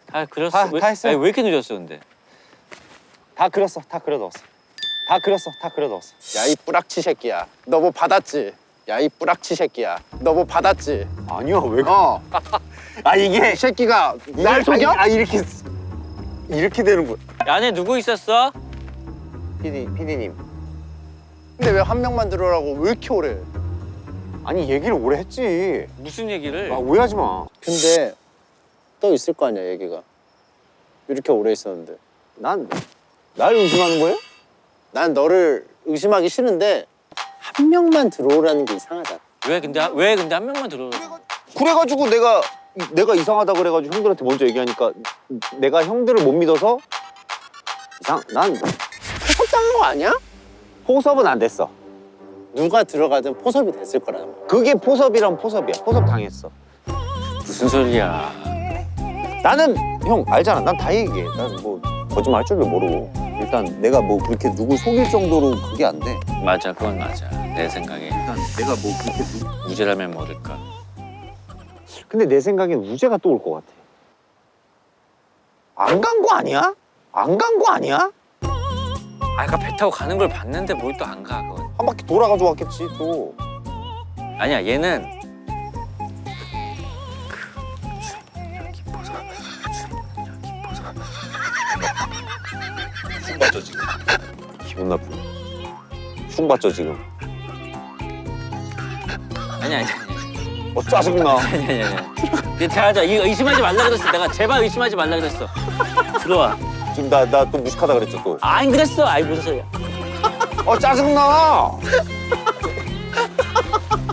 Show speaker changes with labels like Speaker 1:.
Speaker 1: 다 그렸어.
Speaker 2: 다 했어.
Speaker 1: 아니, 왜 이렇게 늦었어 근데?
Speaker 2: 다 그렸어. 다 그려 넣었어. 다 그렸어. 다 그려 넣었어.
Speaker 3: 야 이 뿌락치 새끼야. 너 뭐 받았지? 야 이 뿌락치 새끼야. 너 뭐 받았지?
Speaker 2: 아니야 왜?
Speaker 3: 아 이게 새끼가 날 속여?
Speaker 2: 이렇게 되는 거야.
Speaker 1: 안에 누구 있었어?
Speaker 2: PD님.
Speaker 3: 근데 왜 한 명만 들어오라고 왜 이렇게 오래?
Speaker 2: 아니 얘기를 오래 했지.
Speaker 1: 무슨 얘기를?
Speaker 2: 아 오해하지 마.
Speaker 3: 근데 또 있을 거 아니야 얘기가. 이렇게 오래 있었는데.
Speaker 2: 날 의심하는 거예요?
Speaker 3: 난 너를 의심하기 싫은데 한 명만 들어오라는 게 이상하잖아.
Speaker 1: 왜 근데 한 명만 들어?
Speaker 2: 그래가지고 내가 이상하다 그래가지고 형들한테 먼저 얘기하니까 내가 형들을 못 믿어서 난
Speaker 3: 포섭당한 거 아니야?
Speaker 2: 포섭은 안 됐어.
Speaker 3: 누가 들어가든 포섭이 됐을 거라는 거야.
Speaker 2: 그게 포섭이란 포섭이야. 포섭 당했어.
Speaker 1: 무슨 소리야?
Speaker 2: 나는 형 알잖아. 난 다 얘기해. 난 뭐 거짓말 할 줄도 모르고 일단 내가 뭐 그렇게 누구 속일 정도로 그게 안 돼.
Speaker 1: 맞아, 그건 맞아. 내 생각에
Speaker 2: 일단 내가 뭐 그렇게
Speaker 1: 무죄라면 모를까.
Speaker 2: 근데 내 생각엔 우재가 또 올 것 같아. 안 간 거 아니야? 안 간 거 아니야?
Speaker 1: 아까 배 타고 가는 걸 봤는데 뭘 또 안 가? 그건.
Speaker 2: 한 바퀴 돌아가지고 왔겠지 또.
Speaker 1: 아니야, 얘는
Speaker 2: 흉 받죠 지금. 기분 나쁘네. 흉 받죠 지금.
Speaker 1: 아니야.
Speaker 2: 짜증나.
Speaker 1: 아니야. 대하자. 이거 의심하지 말라 그랬어. 내가 제발 의심하지 말라 그랬어. 들어와.
Speaker 2: 지금 나 또 무식하다 그랬죠 또.
Speaker 1: 안 그랬어. 아이 무슨 소리야.
Speaker 2: 짜증나.